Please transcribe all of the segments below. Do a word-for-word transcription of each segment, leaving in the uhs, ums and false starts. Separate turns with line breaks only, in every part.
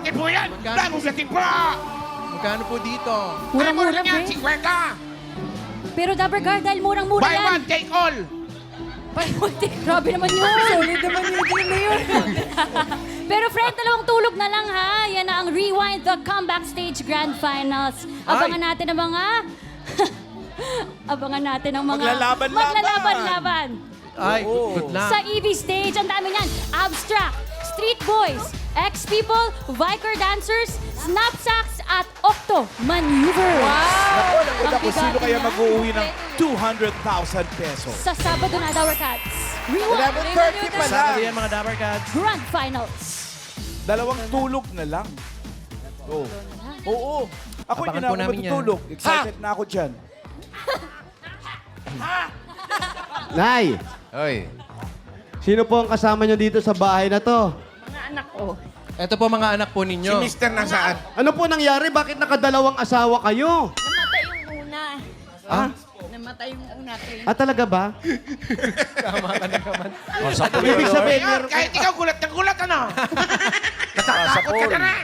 forty po yan.
Magkano
Dahil
po?
gating po.
Magkano po dito?
Murang-mura,
Ay, yan,
pre.
fifty.
Pero Dabber Guard, dahil murang-mura
Buy
yan.
one, take all.
Buy one, take. Grabe naman yun. Solid naman yun. Team na yun. Pero friend, dalawang tulog na lang ha. Yan na ang Rewind the Comeback Stage Grand Finals. Abangan natin ang mga... Abangan natin ang mga...
Maglalaban-laban.
Maglalaban-laban.
Ay, good luck.
Sa E V stage, ang dami niyan. Abstract, Street Boys, X-People, Viker Dancers, Snapsacks, at Octo Maneuver. Wow!
Ako, naku, naku, sino kaya mag-uuwi ng
Sa
two hundred thousand pesos?
Sabado na, Dower Cats. Rewind
eleven thirty pa lang.
Sabado yan, mga Dabber Cats.
Grand Finals.
Dalawang tulog na lang. Oo. Oo. Ako
Abangan
hindi na
po
ako
namin yan.
matutulog. Excited na ako dyan.
Nay,
Oy.
sino po ang kasama nyo dito sa bahay na to?
Mga anak ko.
Ito po mga anak po
Si
ninyo.
Mister nasaan?
Ano po nangyari? Bakit nakadalawang asawa kayo?
Namatay yung una.
Ah?
Namatay yung una. Train.
Ah, talaga ba?
Tama ka na naman.
Ibig sabihin,
Mayor,
meron
kahit ikaw gulat ng gulat, ano? Natatakot ka na rin.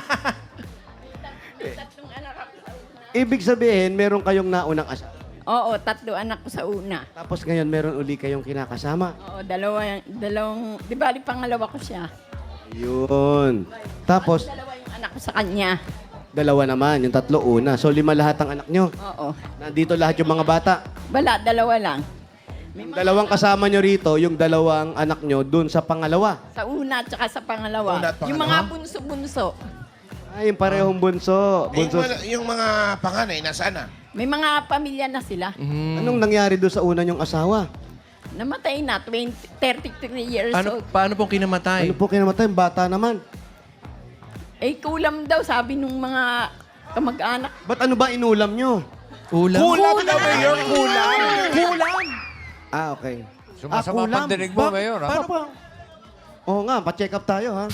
Tatlong anak ako sa una.
ibig sabihin, meron kayong naunang asawa.
Oo, tatlo anak ko sa una.
Tapos ngayon, meron uli kayong kinakasama.
Oo, dalawa, dalawang, di ba, di pangalawa ko siya.
Yun. Tapos,
Dalawa yung anak ko sa kanya.
dalawa naman. Yung tatlo, una. So, lima lahat ang anak nyo.
Oo.
Nandito lahat yung mga bata.
Bala, dalawa lang.
Yung dalawang kasama nyo rito, yung dalawang anak nyo, dun sa pangalawa.
Sa una at saka sa pangalawa.
Una at pangalawa?
Yung mga bunso-bunso.
Ay, yung parehong bunso.
Yung,
bunso.
mga- yung mga panganay, nasaan na?
May mga pamilya na sila.
Anong nangyari doon sa una nyong asawa?
Namatay na, twenty, thirty-three years
Ano,
old.
paano pong kinamatay?
Ano po kinamatay? Bata naman.
Eh, kulam daw, sabi nung mga kamag-anak.
Ba't ano ba inulam nyo?
Ulam.
Kulam na, Mayor. Kulam. Kulam.
Ah, okay.
Sumasama
kulam.
pang dinig mo,
Ba-
Mayor. Ha?
Paano po?
Oo nga, pa-check up tayo, ha?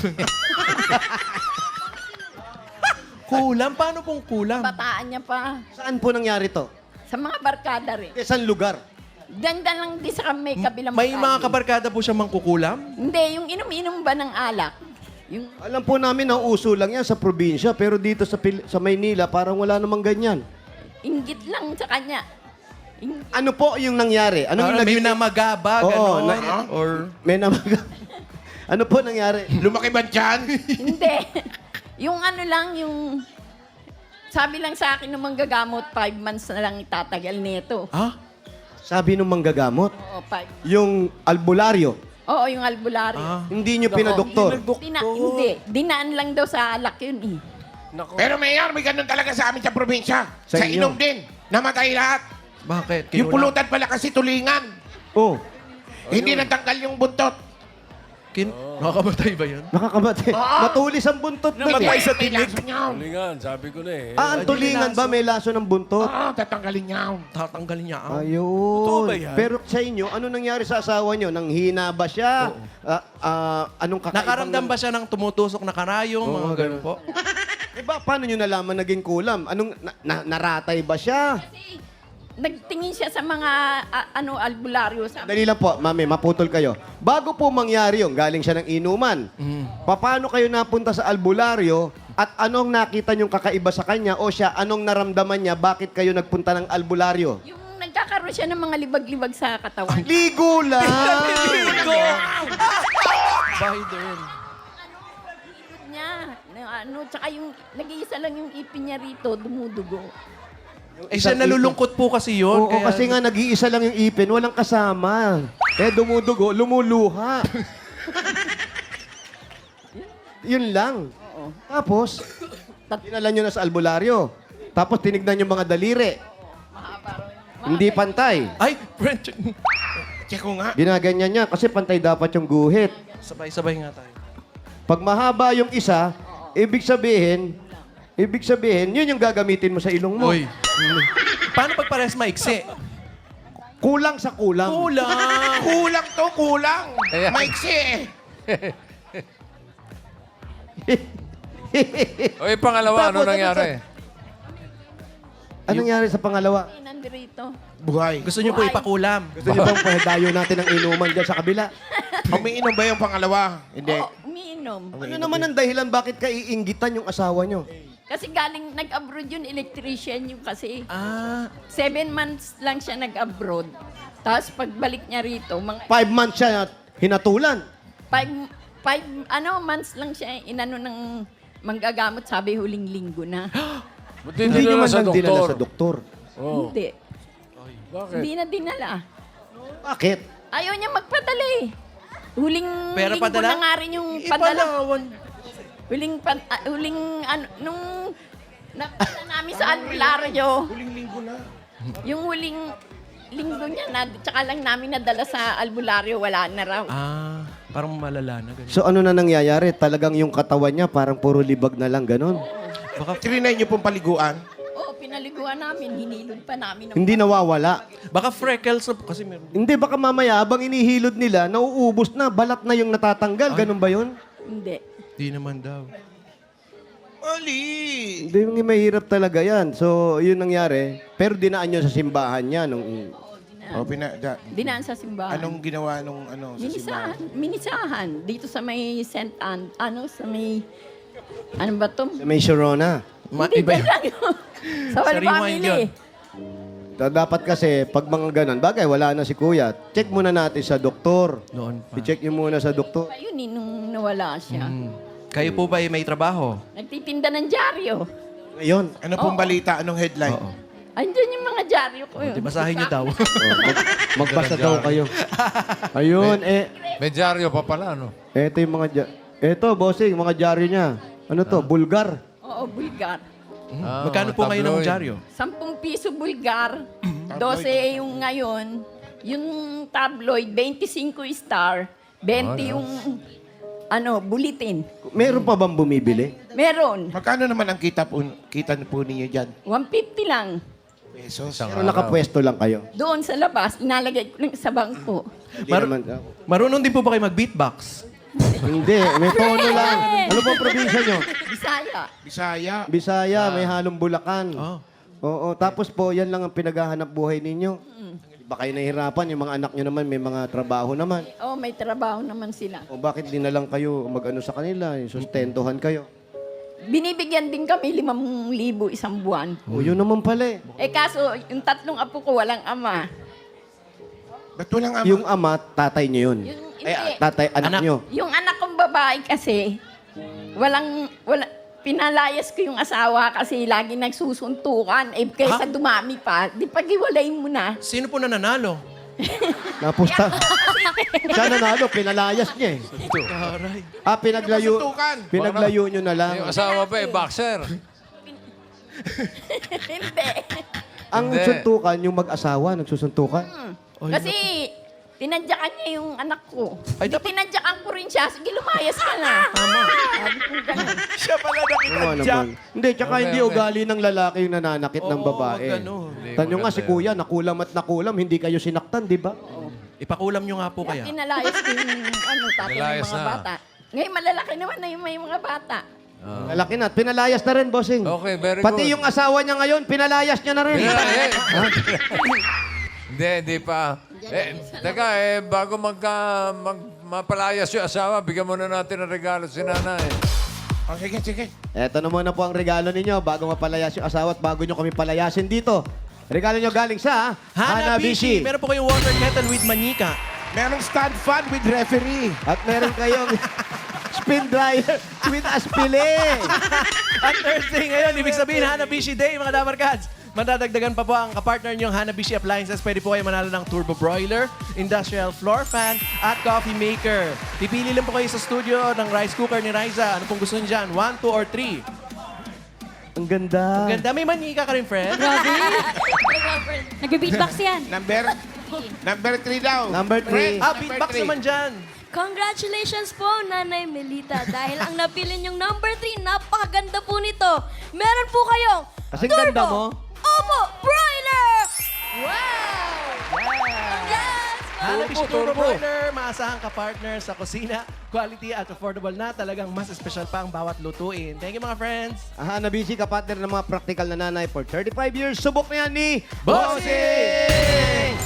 Kulam? Paano pong kulam?
Bataan niya pa.
Saan po nangyari to?
Sa mga barkada rin.
Eh, saan lugar?
Dandan lang di sa may kabilang
May mga
kalye.
kabarkada po siya mangkukulam?
Hindi, yung inom-inom ba ng alak? Yung
Alam po namin na uso lang yan sa probinsya, pero dito sa, Pil- sa Maynila, parang wala namang ganyan.
inggit lang sa kanya. Ing-
Ano po yung nangyari? Ano yung
Ano, may
naging...
namagaba,
Oo,
gano'n?
na-
Or...
May namag... ano po nangyari?
Lumaki ba dyan?
Hindi. Yung ano lang, yung... Sabi lang sa akin nung manggagamot, five months na lang itatagal nito.
Ha?
Sabi nung manggagamot,
Oo, five.
yung albularyo,
Oo, yung albularyo.
Ah.
hindi nyo pinadoktor.
Dina, hindi. Dinaan lang daw sa alak yun eh.
Pero Mayor, may ganun talaga sa amin sa probinsya.
Sa
Sa,
inyo?
inom din. Namatay lahat.
Bakit?
Yung
Kinulam?
pulutan pala kasi tulingan.
Oh,
Hindi natanggal yung buntot.
Kin... Nakakamatay ba yun?
nakakamatay.
Oo.
Matulis ang buntot nun
Namatay
eh.
sa
May
tinig.
laso niyaw.
Tulingan, sabi ko na eh.
Ah, ang tulingan ba may laso ng buntot?
Oo, tatanggalin niyaw.
Tatanggalin niya. Ah.
Totoo
Ayun.
ba yan?
Pero sa inyo, ano nangyari sa asawa nyo? Nang hina ba siya? Ah, ah, anong kakaibang...
Nakaramdam ba siya ng tumutusok na karayong?
Oo,
mga ganun
ganun.
po.
Eh ba, paano nyo nalaman naging kulam? Anong, na, na- naratay ba siya?
Kasi nagtingin siya sa mga a- ano albularyo. Sabi,
Dali lang po, mami, maputol kayo. Bago po mangyari yung galing siya ng inuman, paano kayo napunta sa albularyo at anong nakita niyong kakaiba sa kanya o siya, anong naramdaman niya, bakit kayo nagpunta ng albularyo?
yung nagkakaroon siya ng mga libag-libag sa katawan.
Ligo lang!
Biden.
Likod niya. Na, ano, tsaka yung nag-iisa lang yung ipin niya rito, dumudugo.
Eh siya nalulungkot po kasi yun.
Oo,
kaya...
kasi nga nag-iisa lang yung ipin, walang kasama. Eh, dumudugo, lumuluha. Yun lang.
Oo.
Tapos, dinala nyo na sa albularyo. Tapos tinignan yung mga daliri.
Mahaba raw yung-
Hindi pantay.
Ay, French.
Check ko nga.
Ginaganyan niya kasi pantay dapat yung guhit.
Sabay-sabay nga tayo.
Pag mahaba yung isa, ibig sabihin, ibig sabihin, yun yung gagamitin mo sa ilong mo.
Uy. Paano pag pares maiksi?
Kulang sa kulang.
Kulang.
Kulang to, kulang.
Ayan.
Maiksi eh.
Oy, pangalawa, ano
Tapos, ano
nangyari?
Anong nangyari sa pangalawa?
Ay, nandito.
Buhay.
Gusto niyo po ipakulam?
Gusto niyo bang pahadayo natin ang inuman dyan sa kabila?
Umiinom ba yung pangalawa? Hindi.
Oo, umiinom umiinom.
Ano naman ang dahilan bakit ka iinggitan yung asawa nyo?
Kasi galing nag-abroad yun, electrician yung kasi.
Ah,
Seven months lang siya nag-abroad. Tapos pagbalik niya rito, mga
Five months siya hinatulan.
five, five ano, months lang siya inano ng manggagamot, sabi huling linggo na.
Buti
Hindi nyo
dinala
man
sa
lang dinala
doktor.
sa doktor.
Oh.
Hindi.
Bakit?
Hindi na dinala.
Bakit?
Ayaw niya magpadala eh. Huling
Pera
linggo
padala?
na nga rin yung padala.
ipalawan.
Huling, pan, ah, huling, ano, nung nakita namin sa albularyo.
Huling linggo na.
Yung huling linggo niya, na, tsaka lang namin nadala sa albularyo, wala na raw.
Ah, parang malala na ganun.
So ano na nangyayari? Talagang yung katawan niya parang puro libag na lang, ganon.
Baka,
Trinay niyo pong paliguan.
Oo, pinaliguan namin, hinilod pa namin. ng-
Hindi nawawala.
baka freckles na- kasi meron.
Hindi, baka mamaya habang inihilod nila, nauubos na, balat na yung natatanggal. Ganun ba yun?
Hindi.
Di naman daw.
Ali!
Hindi, mahirap talaga yan. So, yun nangyari. Pero dinaan nyo sa simbahan niya nung...
O, pina, da,
Dinaan sa simbahan.
anong ginawa nung ano, sa
Minisahan.
simbahan?
Minisahan. Dito sa may Saint Anne, ano, sa may, ano ba to?
May Sharona.
Ma-
Hindi,
iba
dyan
yun.
lang yun. Sa
Sa
Wala
rewind
Family.
yun.
Da- Dapat kasi, pag mga ganun, bagay, wala na si kuya. Check muna natin sa doktor.
Noon pa.
I-check nyo muna sa doktor.
Pa yun eh, nung nawala siya.
Hmm. Kayo po ba ay may trabaho?
Nagtitinda ng dyaryo.
Ngayon,
Ano pong balita? Anong headline?
Oo.
Andyan yung mga dyaryo ko yun.
Di basahin niyo daw.
oh, mag- magbasa daw kayo. Ayun, eh,
May dyaryo pa pala, no?
eto yung mga... dya- Eto, bossing, mga dyaryo niya. Ano to? Bulgar.
Oo, Bulgar.
Ah,
Magkano
mga
po ngayon ang
tabloid.
dyaryo?
Sampung piso Bulgar. Dose yung ngayon. Yung tabloid, twenty-five star. twenty yung, ano, bulletin.
Meron pa bang bumibili?
Meron.
Magkano naman ang kita po, kita po ninyo dyan?
one fifty lang.
Pesos.
Isang
Pero
araw.
nakapwesto lang kayo.
Doon sa labas, inalagay ko lang sa bangko.
Hindi
Mar-
naman...
Marunong din po ba kayo mag-beatbox?
Hindi, may tono lang. Ano pong probinsya nyo?
Bisaya.
Bisaya.
Bisaya, may halong Bulacan.
Oh.
Oo, tapos po, yan lang ang pinaghahanap buhay ninyo. Ba kayo nahihirapan, yung mga anak nyo naman, may mga trabaho naman.
Oh, may trabaho naman sila.
O bakit di na lang kayo mag-ano sa kanila, yung sustentuhan kayo?
Binibigyan din kami limang libo isang buwan.
O yun naman pala eh.
Eh kaso, yung tatlong apo ko walang ama.
Ba't walang ama?
Yung ama, tatay nyo yun.
Yung,
Eh,
hindi.
tatay, anak,
Anak.
nyo.
Yung anak kong babae kasi, walang, wala, pinalayas ko yung asawa kasi lagi nagsusuntukan. Eh, kaysa dumami pa, di pag-iwalayin mo na.
Sino po nananalo?
Napusta. Siya nanalo, pinalayas niya eh.
Taray.
Ah, pinaglayo,
Suntukan.
pinaglayo nyo na lang.
Yung asawa pa eh, boxer.
Hindi.
Ang
Hindi.
suntukan, yung mag-asawa, nagsusuntukan.
Kasi, tinadyakan niya yung anak ko.
Ay,
Di
dapat-
tinadyakan ko rin siya. Sige, lumayas ka na. Tama. Sabi ko ganun.
Siya pala
Oo, ano
nakitadya.
ba? Hindi, tsaka
Okay,
hindi
okay.
ugali ng lalaki yung nananakit ng
Oo,
babae.
wag ganun.
Hindi,
Tanyo nga
maganda
si
yun.
kuya, nakulam at nakulam, hindi kayo sinaktan, di ba?
Ipakulam nyo nga po kaya.
Pinalayas ko yung ano, tatay ng
Pinalayas
mga
na.
bata. Ngayon, malalaki naman na yung may mga bata.
Lalaki na, at pinalayas na rin, bossing.
Okay, very
Pati
good.
yung asawa niya ngayon, pinalayas niya na rin.
Eh, Hindi, hindi pa. Eh, teka, eh, bago magka, mag, mapalayas yung asawa, bigyan muna natin ng regalo si nanay.
O, sige, sige.
Eto na muna po ang regalo ninyo bago mapalayas yung asawa at bago nyo kami palayasin dito. Regalo nyo galing sa
Hanabishi! Meron po kayong water kettle with manika.
Merong stand fan with referee.
At meron kayong spin dryer with aspile.
At Thursday ngayon, ibig sabihin Hanabishi Day, mga Dabarkads. Madadagdagan pa po ang kapartner niyong Hanabishi Appliances. Pwede po kayo manalo ng turbo broiler, industrial floor fan, at coffee maker. Pipili lang po kayo sa studio ng rice cooker ni Riza. Ano pong gusto niyo dyan? One, two, or three?
Ang ganda.
Ganda. May manika ka rin, friend.
Nag-beatbox yan.
Number, number three daw.
Number three.
Ah, beatbox naman dyan.
Congratulations po, Nanay Melita. Dahil ang napili niyong number three, napakaganda po nito. Meron po kayong
Kasing
Turbo
ganda mo.
Opo Broiler! Wow! Yes!
Hanabishi Turbo
turbo.
Broiler. Maasahang kapartner sa kusina. Quality at affordable na. Talagang mas espesyal pa ang bawat lutuin. Thank you, mga friends.
Ah, Hanabishi, kapartner ng mga practical na nanay for thirty-five years. Subok na yan ni
Bossing!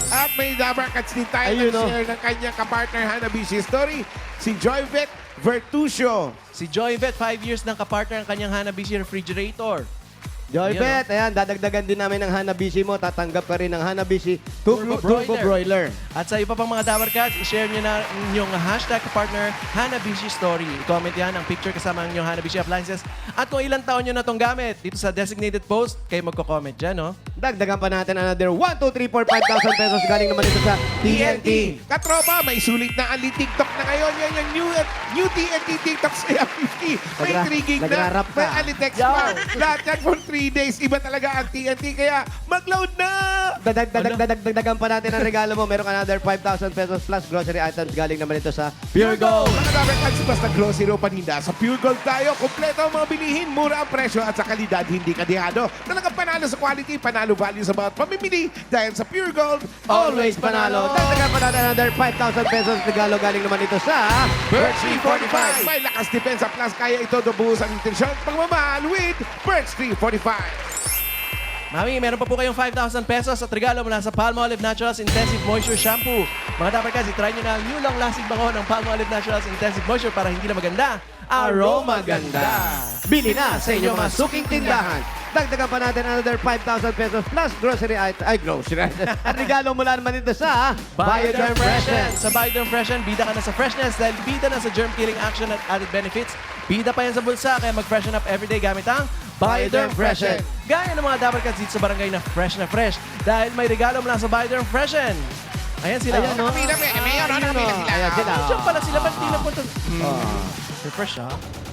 At may Dabarkats din tayo
Ayun, oh.
nag-share ng kanyang kapartner Hanabishi story, si Joyvet Vertusio.
Si Joyvet, five years ng kapartner ang kanyang Hanabishi refrigerator.
Joybet, ayan, dadagdagan din namin ng Hanabishi mo. Tatanggap ka rin ng Hanabishi Turbo,
Turbo
Turbo Broiler.
At sa iba pang mga Dabarkats, i-share nyo na inyong hashtag partner Hanabishi Story. I-comment yan ang picture kasama ang inyong Hanabishi appliances. At kung ilang taon nyo na itong gamit, dito sa designated post, kayo magko-comment dyan, no?
Dagdagan pa natin another one, two, three, four, five thousand pesos galing naman ito sa T N T.
Katropa, may sulit na Ali TikTok na ngayon. Yan yung new, new T N T TikTok sa fifty. May
Nagra-
three gig na.
nagrarap ka.
May Ali text pa. Lahat yan for three days. Iba talaga ang T N T. Kaya mag-load na!
Dadag, dadag, dadag, dagdagan pa natin ang regalo mo. Meron ka another five thousand pesos plus grocery items galing naman ito sa Pure Gold.
Mga Dabarkats, basta grocery o paninda. Sa Pure Gold tayo, kompleto ang mga bilihin, mura ang presyo at sa kalidad, hindi kadihado. Talagang panalo sa quality, panalo value sa bawat pamimili. Dahil sa Pure Gold,
Always panalo. Dagdagan pa natin another five thousand pesos regalo galing naman ito sa
Birch three forty-five. May lakas depensa plus kaya ito dobuhos ang intensyon at pagmamahal with Birch three forty-five.
Mami, meron pa po kayong five thousand pesos at regalo mula sa Palmolive Naturals Intensive Moisture Shampoo. Mga Dabarkats, i-try nyo na ang new long-lasting bango ng Palmolive Naturals Intensive Moisture para hindi na maganda, aroma ganda.
Bili na sa inyong mga suking tindahan. Dagdagan pa natin another five thousand pesos plus grocery item. Ay, grocery item. At regalo mula naman ito sa Bioderm Freshen.
Sa Bioderm Freshen, bida ka na sa freshness dahil bida na sa germ-killing action at added benefits. Bida pa yan sa bulsa, kaya mag-freshen up everyday gamit ang Bioderm Freshen. Gaya ng mga Dabarkats dito sa barangay na fresh na fresh dahil may regalo mula sa Bioderm Freshen. Ayan sila.
Ayan, no?
Kapila, may mayor, ano, kapila sila.
Ayan sila.
Diyan pala sila, ba't di napunta?
Oh.
Refresh, ha?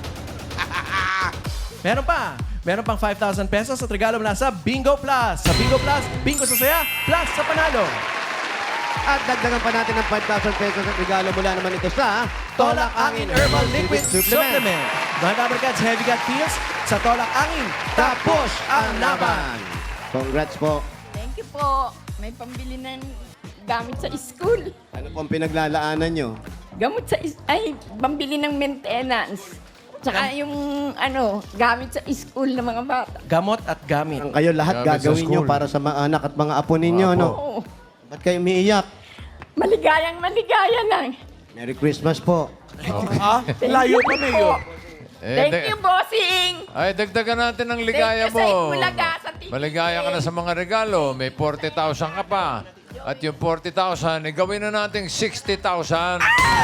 Meron pa. Meron pang five thousand pesos at regalo mula sa Bingo Plus. Sa Bingo Plus, bingo sa saya, plus sa panalo.
At dagdagan pa natin ng five thousand pesos at regalo mula naman ito sa
Tolak Angin Herbal Liquid Supplement. Mga Dabarkats, heavy gut feels sa Tolak Angin. Tapos ang laban.
Congrats po.
Thank you po. May pambili ng gamit sa school.
Ano pong pinaglalaanan nyo?
Gamot sa is- ay pambili ng maintenance. Tsaka yung ano, gamit sa school ng mga bata.
Gamot at gamit.
Ang kayo lahat
Gamit sa
gagawin nyo
school.
para sa mga anak at mga apo ninyo,
Mga apo.
no?
Oo.
Ba't kayo umiiyak?
Maligayang maligaya lang.
Merry Christmas po.
Ah, layo pa na yun.
Eh,
Thank
dag-
you, bossing.
Ay, dagdagan natin ng ligaya
Thank you sa
mo.
Itbulaga, sa T V.
Maligaya ka na sa mga regalo. May forty thousand ka pa. At yung forty thousand, eh, gawin na natin sixty thousand.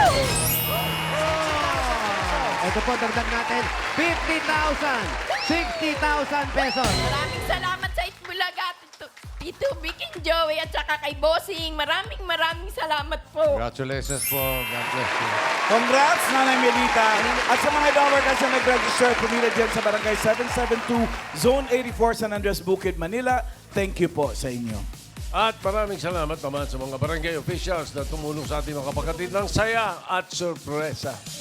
Ito po, dagdag natin fifty thousand, sixty thousand pesos.
Maraming salamat sa Itbulaga, Tito, Tito Vic and Joey, at saka kay bossing. Maraming maraming salamat po.
Congratulations po. God bless you.
Congrats, Nanay Melita. At sa mga Dabarkats na nag-register, pumila dyan sa Barangay seven seventy-two, Zone eighty-four, San Andres, Bukid, Manila. Thank you po sa inyo.
At maraming salamat naman sa mga barangay officials na tumulong sa ating mga kapatid ng saya at sorpresa.